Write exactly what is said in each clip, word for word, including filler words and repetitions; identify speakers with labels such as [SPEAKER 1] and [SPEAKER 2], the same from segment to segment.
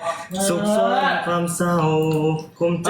[SPEAKER 1] สุขซ้อนความเศร้าคุมใจ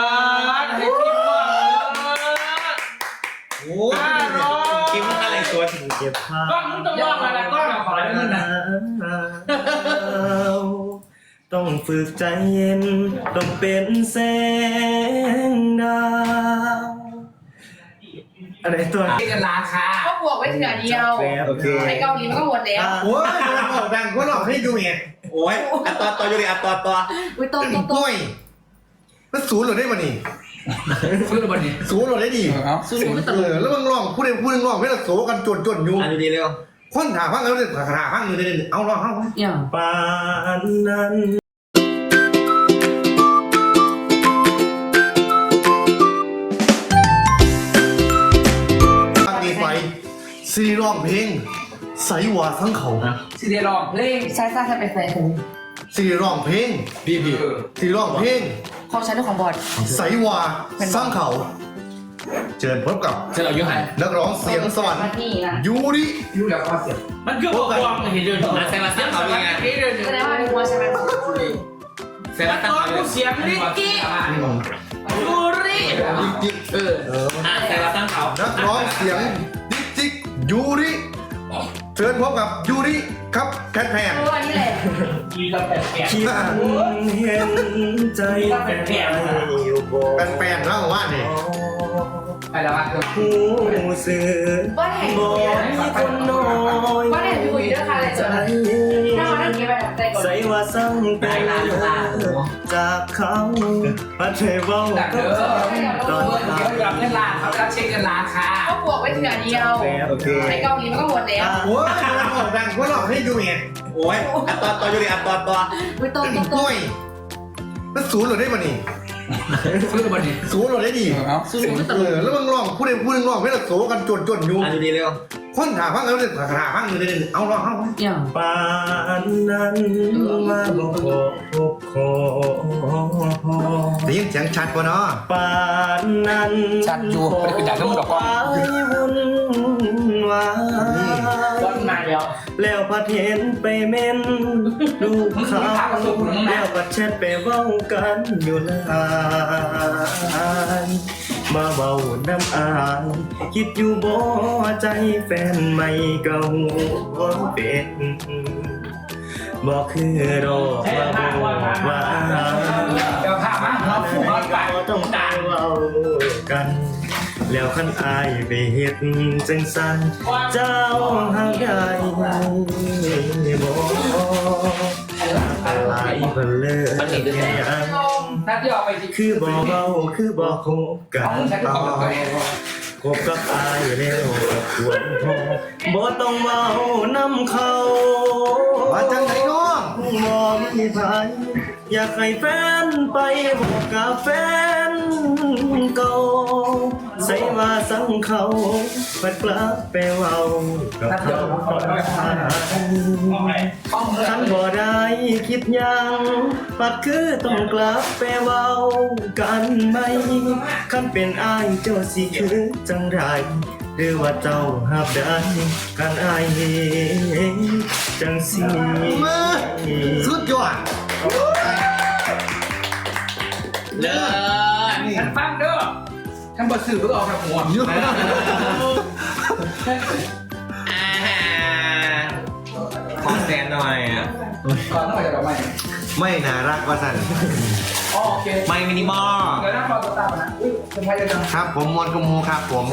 [SPEAKER 1] โอ้กินอะไรตัวถึงเก็บผ้าก็มึงต้องรอดอะไรก็ขอได้มึงนะต้องฝึกใจเย็นต้องเป็นแสงดาวอะไรตัวนี้
[SPEAKER 2] กันราคา
[SPEAKER 3] ก็บวกไว้เถื่อเดียวไอ้เกาหลีมันก็หมดแล้ว
[SPEAKER 4] โอ้ยมันออกดังก็หลอกให้ดูไงโอ้ยอัตตอตออยู่ดิอัตตอตอ
[SPEAKER 3] อุ้ยต้มต้มต้ม
[SPEAKER 4] แล้วศูนย์หรือได้มานี่
[SPEAKER 2] ซื้อหรือเปล่านี่
[SPEAKER 4] ศูนย์หรือได้ดีศูนย์ไม่ตลกแล้วมึงร้องพูดเองพูดเองร้องไม่ละโสกันจนจนอยู่
[SPEAKER 1] อันนี้เร็ว
[SPEAKER 4] คนถามพังแล้วเนี่ยถามพังเลยเนี่ยเอาร้องเอา
[SPEAKER 3] อย่าง
[SPEAKER 1] ปานนั้น
[SPEAKER 4] ซีร้องเพลงใสหวาทั้งเขา
[SPEAKER 2] ซีเรียร้องเพลง
[SPEAKER 3] ใช่ใช่ใช่เป็นแฟนผม
[SPEAKER 4] ซีร้องเพลง
[SPEAKER 2] พี่พี่
[SPEAKER 4] ซีร้องเพลง
[SPEAKER 3] ของฉันด้วยของบอด
[SPEAKER 4] ใสหวาสร้างเขาเชิญพบกับ
[SPEAKER 2] เชิญเรายุหัน
[SPEAKER 4] นักร้องเสียงสวรรค์ยูริ
[SPEAKER 2] ยูแล้วก็เสียงมันคือบอกว่าเห็นเดินนะแต่มาสร้างเขาเป็นไง
[SPEAKER 3] แสดงว่าเป็นวัวใช่ไหม
[SPEAKER 2] แสดงว่าเสียงลิกกี้ยูริเออแต่มาสร้างเขา
[SPEAKER 4] นักร้องเสียงดิจิกยูริเชิญพบกับยูริครับแคทแพน
[SPEAKER 3] ตัวนี้แหละ
[SPEAKER 2] ยีราฟแปดแปด
[SPEAKER 1] คิดเห็นใจแปดแปดอยู่บน
[SPEAKER 4] แปนๆแล้วว่าเนี่ย
[SPEAKER 2] ไปแล้วว่า
[SPEAKER 1] ผู้สื่อบอกมีคนน้อย
[SPEAKER 3] ว่าเนี่ยอยู่ด้วยค่ะเลยจ้ะถ้าเขาได้กินไปแบบใจก่อน
[SPEAKER 1] ใส่ว่าสั่งเป็นจากเขาพัดเทวาก็ตอน
[SPEAKER 2] เขายอมเล่นลาเขาจะเช็คกันราคา
[SPEAKER 3] ก็บวกไว้เถื่อเดียวไอ้เกาหลีมันก็หมดแล้ว
[SPEAKER 4] โอ้ยมันออกดังก็หลอกให้ดูไงโอ้ยอัตตอตออยู่ดิอัตตอตอ
[SPEAKER 3] อุ้ยต้มต้มต้ม
[SPEAKER 4] แล้วศูนย์หรือได้มานี่
[SPEAKER 2] ซื้อหรือเปล่านี่
[SPEAKER 4] ศูนย์หรือได้ดี
[SPEAKER 3] ศูนย์ไม่ตลก
[SPEAKER 4] แล้วมึงร้องพูดเองพูดเองร้องไม่ละโสกันจนจนอยู่
[SPEAKER 1] อันนี้เร็ว
[SPEAKER 4] คนถามพังแล้วเนี่ยถามพังเลยเนี่ยเอาร้องเอา
[SPEAKER 3] อย่าง
[SPEAKER 1] ปานนั้นมาบอกพบคอ
[SPEAKER 4] ได้ยินเสียงชัดกว่าเนาะ
[SPEAKER 1] ปานนั้น
[SPEAKER 2] ชัดอยู่ไม่ได้เป็นอย่างนั้นมึงหรอกว่า
[SPEAKER 1] วุ่นวาย
[SPEAKER 2] ต้นมาแล้ว
[SPEAKER 1] แล้วพัดเห็นไปเม้นลูกเขาแล้วพัดแชทไปเว้ากันอยู่นานมาเบาน้ำอายคิดอยู่บ่ใจแฟนไม่เก่าเป็นบอกคือรอมาบอกว่า
[SPEAKER 2] เดี๋ยวพามาเราผู้เขาไป
[SPEAKER 1] ต้องตายเว้ากันแล้วขันอายไปเฮ็ดจังสันเจ้าหาได้บ่อะไรเพิ่นเลยยังคือบ่เว้าคือบ่คบกันคบกับอายแล้วควรพอบ่ต้องเว้านำเขา
[SPEAKER 4] ว่าจังได๋น้อง
[SPEAKER 1] บ่มีไผอยากให้แฟนไปบอกกับแฟนเก่าใส่ว่าสังเขาปัดกลับไปเว้ากับเขาคนผ่านคันบ่ได้คิดยังปัดคือต้องกลับไปเว้ากันไหมคันเป็นอ้ายเจ้าสิคือจังไรหรือว่าเจ้าหับได้กันอ้ายจังสิ
[SPEAKER 4] สุดยอด
[SPEAKER 2] เลิศฉันฟังเด้อฉันบดสื่อเพื่อออกจากหัว
[SPEAKER 1] ขอแซนหน่อยอ่ะ
[SPEAKER 2] ก่อนต้องไปจากเราไหม
[SPEAKER 4] ไม่น่ารักว่าสัน
[SPEAKER 2] โอเค
[SPEAKER 1] ไม่มินิมอล
[SPEAKER 2] เดี๋ยวนั่งรอตัวตามนะอุ้ยเป็นใครจะจัง
[SPEAKER 4] ครับผมมอนกมูครับผม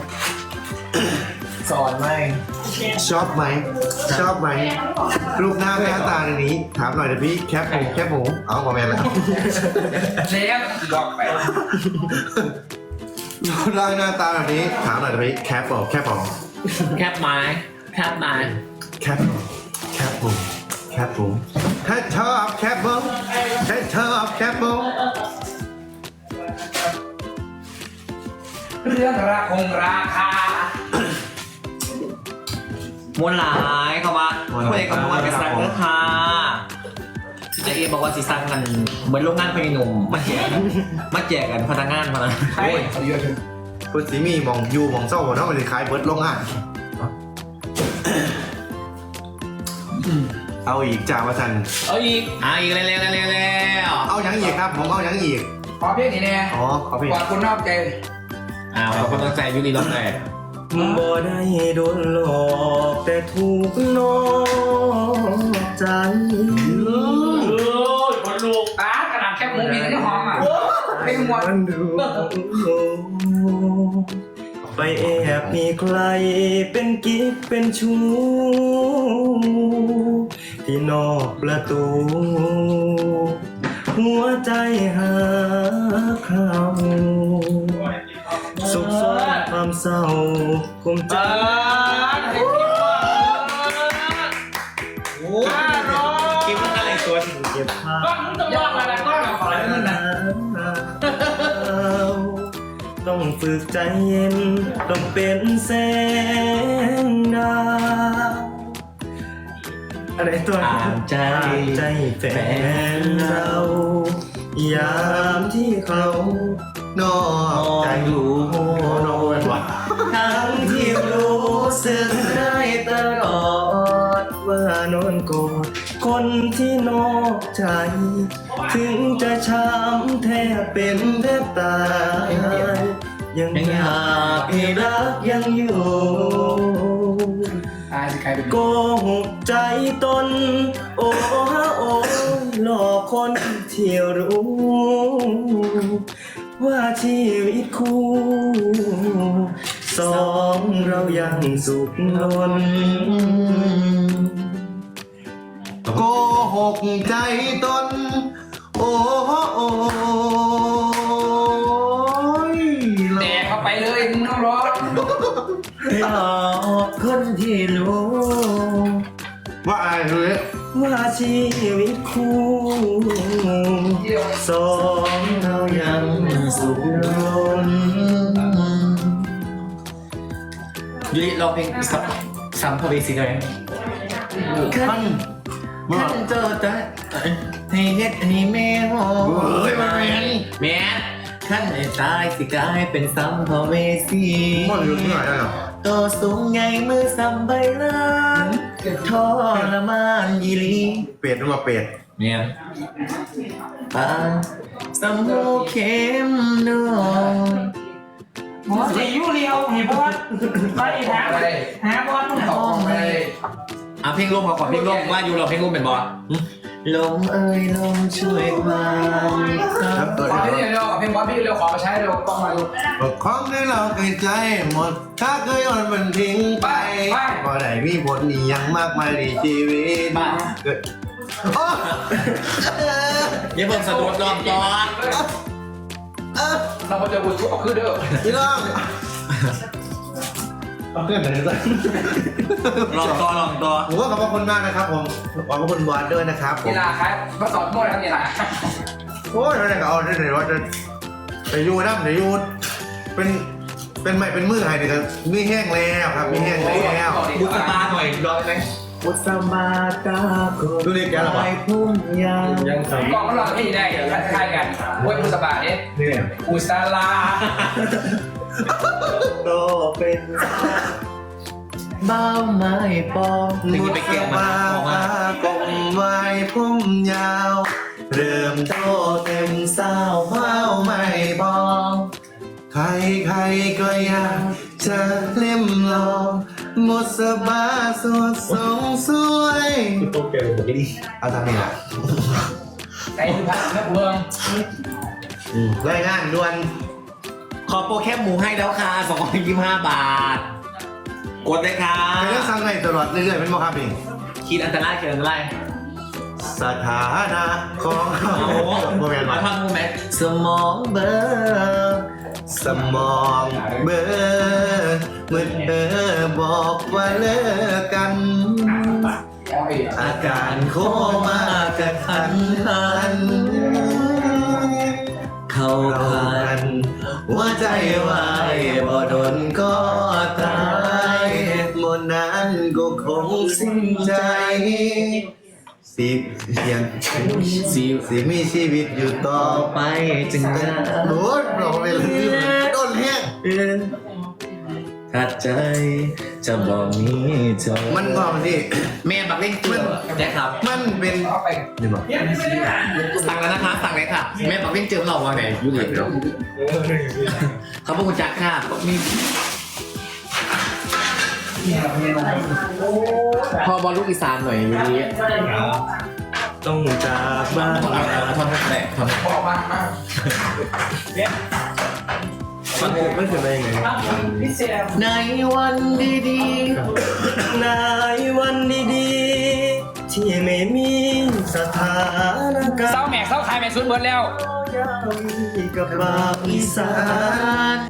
[SPEAKER 1] สอนไหม
[SPEAKER 4] ชอบไหมชอบไหมรูปหน้าหน้าตาในนี้ถามหน่อยเดี๋ยวพี่แคปผมแคปผมเอาคอมเมนต์แล้ว
[SPEAKER 2] เลี้ยงหลอกไป
[SPEAKER 4] รูปร่างหน้าตาแบบนี้ถามหน่อยเดี๋ยวพี่แคปผมแคปผม
[SPEAKER 1] แคปไม้แคปไม้
[SPEAKER 4] แคปแคปผมแคปผมถ้าชอบแคปผมถ้าชอบแคปผม
[SPEAKER 2] เรื่องราคงราคา
[SPEAKER 1] มวนหลายเขาว่าคุยกับมวนไปสั่งเนื้อค่ะที่เจเอบอกว่าสิสั่งกันเหมือนโรงงานพญินมมาแจกมาแจกกันพนักงานมานะ
[SPEAKER 2] โอ้ยเขาเยอะจัง
[SPEAKER 4] คุณสีมีมองยูมองเศร้าเนาะมันเลยคล้ายเบิร์ดโรงงานเอาอีกจ่าวาสัน
[SPEAKER 2] เอาอีกอ่าอีกเร็วๆเร็วๆเร็ว
[SPEAKER 4] เอายังอีกครับผมเอายังอีก
[SPEAKER 5] ขอเพลงนี้แน่
[SPEAKER 4] อ๋อขอเพลง
[SPEAKER 5] กว่าคุณนอกใจ
[SPEAKER 2] อ่าเราก็ต้องใจยุติรอบแรก
[SPEAKER 1] บ่ได้โดนหลอกแต่ถูกนอกใจ
[SPEAKER 5] เออคนลูกตากระดาษแคบหมูมีแต่หอมอ่ะเพลงมวน
[SPEAKER 1] มันดูไปแอบมีใครเป็นกิ๊กเป็นชู้ที่นอกประตู หัวใจหาเขาสุขสมความเศร้ากุมใจ
[SPEAKER 2] โอ้คิดว่าอะไรตัวสิ
[SPEAKER 1] เก็บภา
[SPEAKER 5] ก็
[SPEAKER 1] พ
[SPEAKER 5] มึงต้องร้องอะไรก็ร้องขอให้มึงนะ
[SPEAKER 1] ต้องฝึกใจเย็นต้องเป็นแสงดาวอะไรตัว
[SPEAKER 2] อ่านใจ
[SPEAKER 1] ใจแฟนเรา ยามที่เขา
[SPEAKER 4] นอกใจ
[SPEAKER 1] รู้
[SPEAKER 4] นอกเป็นวัด
[SPEAKER 1] ทั้งที่รู้สึกได้ตลอดว่านอนกอดคนที่นอกใจ ถึงจะช้ำแทบเป็นแทบตาย ยังอยากให้รักยังอยู่
[SPEAKER 5] ตายสิใครเป็น
[SPEAKER 1] โกหกใจตน โอ้ฮะโอ้หลอกคนที่รู้ ว่าชีวิตคู่สองเรายังสุขล้น
[SPEAKER 4] โกหกใจตน โอ้โอ้ย
[SPEAKER 5] แดกเข้าไปเลยมึงต้องร้อง
[SPEAKER 1] หลอกคนที่รู้
[SPEAKER 4] ว่าอะไรเลย
[SPEAKER 1] ว่าชีวิตคู่สองเรายังสุขล้น
[SPEAKER 2] ยุติเราเพลงสัมสัมภเวสีเลยขั้นขั้นเจอแต่ให้เฮ็ดให้แม่หอม
[SPEAKER 4] เฮ้ยมันแมน
[SPEAKER 2] แม่ขั้นให้ตายสิกลายเป็นสัมภเวสี
[SPEAKER 4] มันอยู่ที่ไหนอ่ะ
[SPEAKER 2] ตัวสูงใหญ่มือสัมใบลานทรมานยีลี
[SPEAKER 4] เป็ดมาเป็ด
[SPEAKER 2] เนี่ยปานสมหูเข้มนวล
[SPEAKER 5] หมอสียูเรียวเห็นบอลไปหาหาบอลมึงตอกไป
[SPEAKER 2] อ่ะเพลงร่วมขอขอเพลงร่วมว่าอยู่เราเพลงร่วมเป็นบอสลมเอ้ยลมช่วยความ
[SPEAKER 4] ครับเกิด
[SPEAKER 5] ขอพี่เร็วเพลงบอลพี่เร็วขอมาใช้เร็วกล้องมาดู
[SPEAKER 4] ของที่เราเคยใจหมด ถ้าเคยอ่อนมันทิ้งไปก็ได้มีผลนี่ยังมากมายในชีวิต
[SPEAKER 2] บ้า
[SPEAKER 4] เกิดโอ้
[SPEAKER 2] อย่าเพิ่งสะดุดลองก่อน
[SPEAKER 5] เราจะบุญชุบออกคือเด้อ
[SPEAKER 4] พี่น้องเอาเพื่อนไหนกัน
[SPEAKER 2] ลองต่อลองต่อ
[SPEAKER 4] ผมว่าขอบคุณมากนะครับผมขอบคุณบอสด้วยนะครับผม
[SPEAKER 5] นี่ล่ะครับมาสอนโม่แล้วนี่ล่ะ
[SPEAKER 4] โอ้ยเราเนี่ยก็เอาได้เลยว่าจะไปยูนะเดี๋ยวยูเป็นเป็นใหม่เป็นมือให้เดี๋ยวมีแห้งแล้วครับมีแห้งแล้ว
[SPEAKER 2] บุษบาหน่อยร้อยไหม
[SPEAKER 1] บุษบาตาโก
[SPEAKER 4] ดูดิแกหรอ
[SPEAKER 1] ไปพุ่มยาวยังส
[SPEAKER 5] กล้องมันลองให้ได้คล้ายๆกันเว้ยมุสบาเนี่ย
[SPEAKER 4] เนี่ย
[SPEAKER 5] อุสลา
[SPEAKER 1] โตเป็นเบ้าไม้ปอง
[SPEAKER 2] ถึงจะไปเก็บมาบอกว่า
[SPEAKER 4] กลมไม้พุ่มยาว เริ่มโตเต็มสาวเฝ้าไม่บองใครใครๆก็อยากจะเล่มลองหมดสบาสดสงสวย
[SPEAKER 1] โตเก่งผมดี
[SPEAKER 4] เอาทำนี่แหละ
[SPEAKER 5] ใจคือพักนักเมือง
[SPEAKER 4] รายงานด่วน
[SPEAKER 2] ขอโปรแคปหมูให้แล้วค่ะสองร้อยยี่สิบห้าบาท กดเลยค่ะ
[SPEAKER 4] เป็นเรื่องสั่งให้ตลอดเรื่อยๆเป็นโมครับเอง
[SPEAKER 2] คิดอันตรายคิดอันตราย
[SPEAKER 4] สถานะของ
[SPEAKER 2] โอ้โห
[SPEAKER 4] โมเมนต์
[SPEAKER 2] มา
[SPEAKER 4] มา
[SPEAKER 2] ทำมูไหม
[SPEAKER 1] สมองเบลอ
[SPEAKER 4] สมองเบลอเมื่อเธอบอกว่าเลิกกัน
[SPEAKER 5] เอาอีก
[SPEAKER 4] อาการโคม่ากระทันหัน
[SPEAKER 1] เข้า
[SPEAKER 4] เรา
[SPEAKER 1] ผ่า
[SPEAKER 4] กัน นหัวใจวายบ่โดนก็ตายหมดนั้นก็คงสิ้นใจสิเพียง
[SPEAKER 1] สิ
[SPEAKER 4] สิมีชีวิตอยู่ต่อไป
[SPEAKER 1] ไปจึงได้
[SPEAKER 4] โน้ตเราไปเลยต้นเฮีย
[SPEAKER 1] เอื้อนถ้าใจจะบอกมีเธอ
[SPEAKER 4] มันบอกดิ
[SPEAKER 2] แม่บักเล่นเกลือได้ครับ
[SPEAKER 4] มันเป็น
[SPEAKER 5] เอาไป
[SPEAKER 1] นี่บอก
[SPEAKER 5] เนี่ยไม่ได้อ่าน
[SPEAKER 2] สั่งแล้วนะคะสั่งเลยค่ะแม่บักเล่นเจอเราว่าไหนยูริเขาบอกคุณจักค่ะมีพอบอลลูกอีสานหน่อยยูริ
[SPEAKER 1] ต้องจากบ้าน
[SPEAKER 2] ทอนทอนแหละทอน
[SPEAKER 5] บอกมามาเนี่ย
[SPEAKER 1] มันไม่เคยได้ยังไง
[SPEAKER 5] พี่เซม
[SPEAKER 2] ในวันดี
[SPEAKER 1] ในวันดีๆที่ไม่มีสถานการ
[SPEAKER 5] เศร้า
[SPEAKER 1] ณ์
[SPEAKER 5] แม่เศร้าขายแม่สุดเบิร์ดแล้ว
[SPEAKER 1] ยามกับบ่าวอีสาน